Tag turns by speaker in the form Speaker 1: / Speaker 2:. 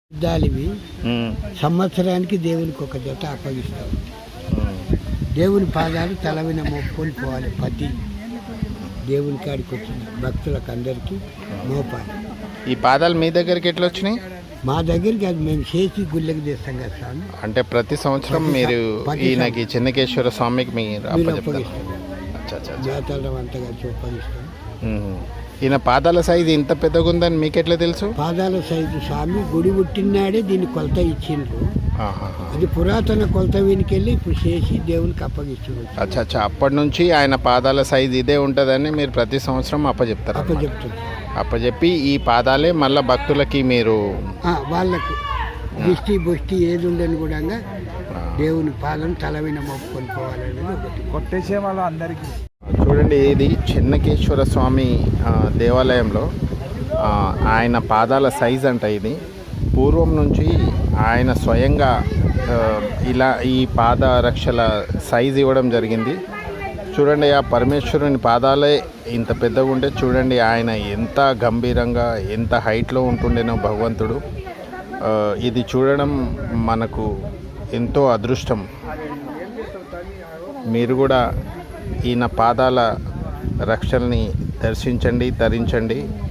Speaker 1: యుద్ధాలివి సంవత్సరానికి దేవునికి ఒక జత అప్పగిస్తాం. దేవుని పాదాలు తలవిన మోపుకొని పోవాలి. ప్రతి దేవుని కాడికి వచ్చిన భక్తులకు అందరికీ మోపాలి.
Speaker 2: ఈ పాదాలు మీ దగ్గరికి ఎట్లా వచ్చినాయి?
Speaker 1: మా దగ్గరికి అది మేము చేసి గుళ్ళకి తెస్తాం కదా స్వామి.
Speaker 2: అంటే ప్రతి సంవత్సరం మీరు ఈయనకి చెన్నకేశ్వర స్వామికి మీరు
Speaker 1: అప్పగిస్తాం.
Speaker 2: జాతర
Speaker 1: అంతా కలిసి అప్పగిస్తాం.
Speaker 2: ఈయన పాదాల సైజు ఇంత పెద్దగా ఉందని మీకు ఎట్లా తెలుసు?
Speaker 1: పాదాల సైజు స్వామి గుడి పుట్టినాడే దీన్ని కొలత ఇచ్చిండ్రు. అది పురాతన కొలత వెనుకెళ్ళి ఇప్పుడు చేసి దేవునికి అప్పగిస్తారు.
Speaker 2: అచ్చా అప్పటి నుంచి ఆయన పాదాల సైజు ఇదే ఉంటుందని మీరు ప్రతి సంవత్సరం అప్పచెప్తారు. అప్పచెప్పి ఈ పాదాలే మళ్ళీ భక్తులకి మీరు
Speaker 1: వాళ్ళకు దిష్టి బుష్టి ఏది ఉండని కూడా దేవుని పాదం తలవిన మొక్కుకొని పోవాలనేది ఒకటి.
Speaker 3: కొట్టేసే వాళ్ళు అందరికీ
Speaker 2: చూడండి, ఇది చెన్నకేశ్వర స్వామి దేవాలయంలో ఆయన పాదాల సైజ్ అంట. ఇది పూర్వం నుంచి ఆయన స్వయంగా ఇలా ఈ పాద రక్షల సైజ్ ఇవ్వడం జరిగింది. చూడండి, ఆ పరమేశ్వరుని పాదాలే ఇంత పెద్దగా ఉంటే చూడండి ఆయన ఎంత గంభీరంగా ఎంత హైట్లో ఉంటుండేనో భగవంతుడు. ఇది చూడడం మనకు ఎంతో అదృష్టం. మీరు కూడా ఈయన పాదాల రక్షల్ని దర్శించండి, తరించండి.